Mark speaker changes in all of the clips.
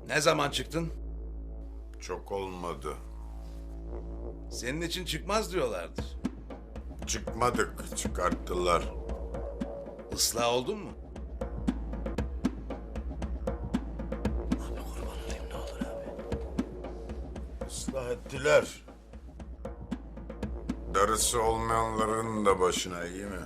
Speaker 1: Ne zaman çıktın?
Speaker 2: Çok olmadı.
Speaker 1: Senin için çıkmaz diyorlardır.
Speaker 2: Çıkmadık, çıkarttılar.
Speaker 1: Islah oldun mu?
Speaker 2: Islah ettiler. Darısı olmayanların da başına, iyi mi?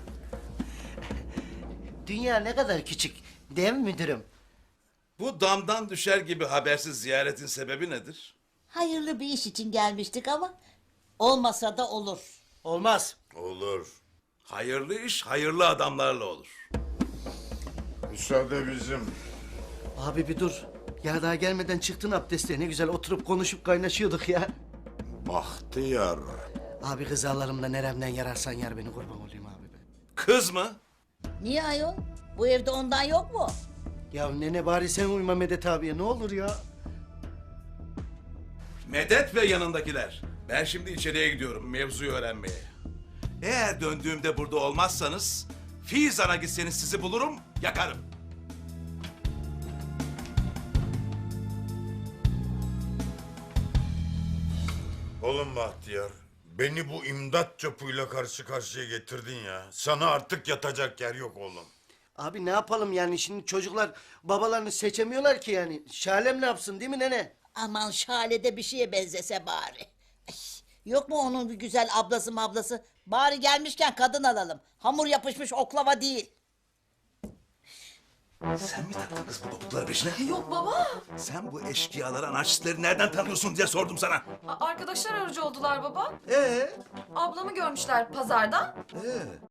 Speaker 3: Dünya ne kadar küçük, değil mi müdürüm?
Speaker 1: Bu damdan düşer gibi habersiz ziyaretin sebebi nedir?
Speaker 4: Hayırlı bir iş için gelmiştik ama olmasa da olur.
Speaker 3: Olmaz.
Speaker 2: Olur.
Speaker 1: Hayırlı iş hayırlı adamlarla olur.
Speaker 2: Müsaade bizim.
Speaker 3: Abi bir dur. Ya daha gelmeden çıktın abdestle. Ne güzel oturup konuşup kaynaşıyorduk ya.
Speaker 2: Bahtiyar.
Speaker 3: Abi kızarlarımda neremden yararsan yar beni, kurban olayım abi be.
Speaker 1: Kız mı?
Speaker 4: Niye ayol? Bu evde ondan yok mu?
Speaker 3: Ya nene bari sen uyma Medet abiye, ne olur ya.
Speaker 1: Medet ve yanındakiler. Ben şimdi içeriye gidiyorum mevzuyu öğrenmeye. Eğer döndüğümde burada olmazsanız... ...Fizan'a gitseniz sizi bulurum, yakarım.
Speaker 2: Oğlum Bahtiyar, beni bu imdat çöpüyle karşı karşıya getirdin ya. Sana artık yatacak yer yok oğlum.
Speaker 3: Abi ne yapalım yani, şimdi çocuklar babalarını seçemiyorlar ki yani. Şalem ne yapsın, değil mi nene?
Speaker 4: Aman Şale bir şeye benzese bari. Ay, yok mu onun bir güzel ablası? Bari gelmişken kadın alalım. Hamur yapışmış oklava değil.
Speaker 1: Sen mi taktın kız bu topukları peşine?
Speaker 5: Yok baba.
Speaker 1: Sen bu eşkıyaları, anarşistleri nereden tanıyorsun diye sordum sana.
Speaker 5: Arkadaşlar aracı oldular baba.
Speaker 3: Ee?
Speaker 5: Ablamı görmüşler pazarda.